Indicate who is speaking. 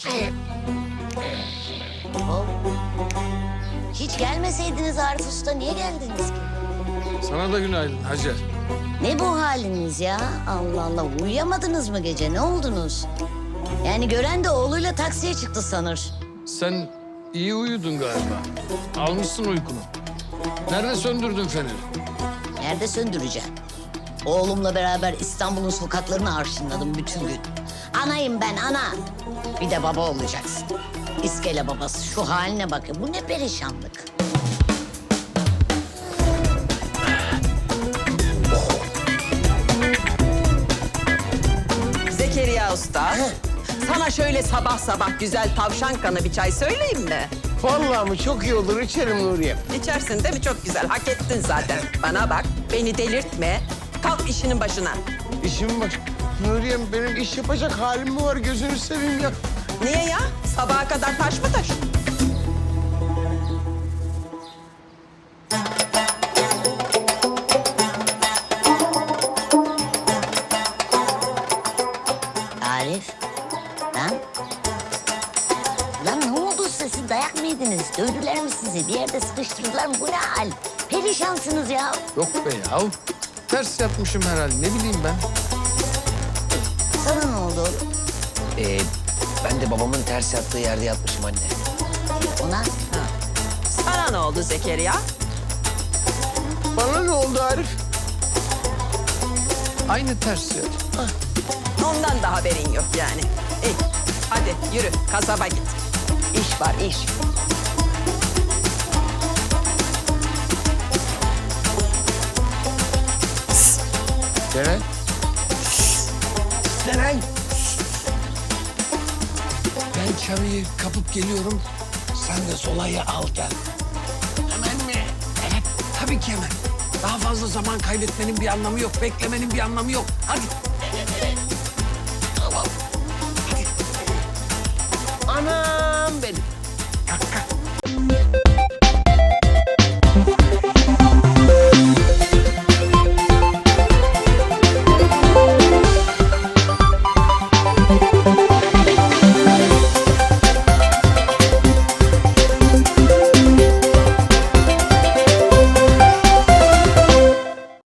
Speaker 1: Hop. Hiç gelmeseydiniz Arif Usta, niye geldiniz ki?
Speaker 2: Sana da günaydın Hacer.
Speaker 1: Ne bu haliniz ya? Allah Allah, uyuyamadınız mı gece? Ne oldunuz? Yani gören de oğluyla taksiye çıktı sanır.
Speaker 2: Sen iyi uyudun galiba. Almışsın uykunu. Nerede söndürdün feneri?
Speaker 1: Nerede söndüreceğim? Oğlumla beraber İstanbul'un sokaklarını arşınladım bütün gün. Anayım ben, ana. Bir de baba olacaksın. İskele babası. Şu haline bakın. Bu ne perişanlık.
Speaker 3: Zekeriya Usta, sana şöyle sabah sabah güzel tavşan kanı bir çay söyleyeyim mi?
Speaker 4: Vallahi mi? Çok iyi olur. İçerim Nuriye.
Speaker 3: İçersin değil mi? Çok güzel. Hak ettin zaten. Bana bak, beni delirtme. Kalk işinin başına.
Speaker 4: İşim var. Nuriye'm benim iş yapacak halim mi var? Gözünü seveyim ya.
Speaker 3: Niye ya? Sabaha kadar taş mı taş?
Speaker 1: Arif. Lan. Lan ne oldu size? Siz dayak mı yediniz? Dövdüler mi sizi? Bir yerde sıkıştırdılar mı? Bu ne hal? Perişansınız ya.
Speaker 2: Yok be yahu. Ters yatmışım herhalde. Ne bileyim ben.
Speaker 1: Sana ne oldu oğlum?
Speaker 5: Ben de babamın ters yattığı yerde yatmışım anne.
Speaker 1: Ona?
Speaker 3: Sana ne oldu Zekeriya?
Speaker 4: Bana ne oldu Arif?
Speaker 2: Aynı ters yat.
Speaker 3: Ondan da haberin yok yani. İyi, hadi yürü kasaba git. İş var, iş.
Speaker 4: Ceren.
Speaker 5: Seren!
Speaker 2: Ben çabayı kapıp geliyorum.
Speaker 5: Sen de solayı al gel.
Speaker 2: Hemen mi? Evet, tabii ki hemen. Daha fazla zaman kaybetmenin bir anlamı yok. Beklemenin bir anlamı yok. Hadi.
Speaker 5: Tamam.
Speaker 4: Anam benim.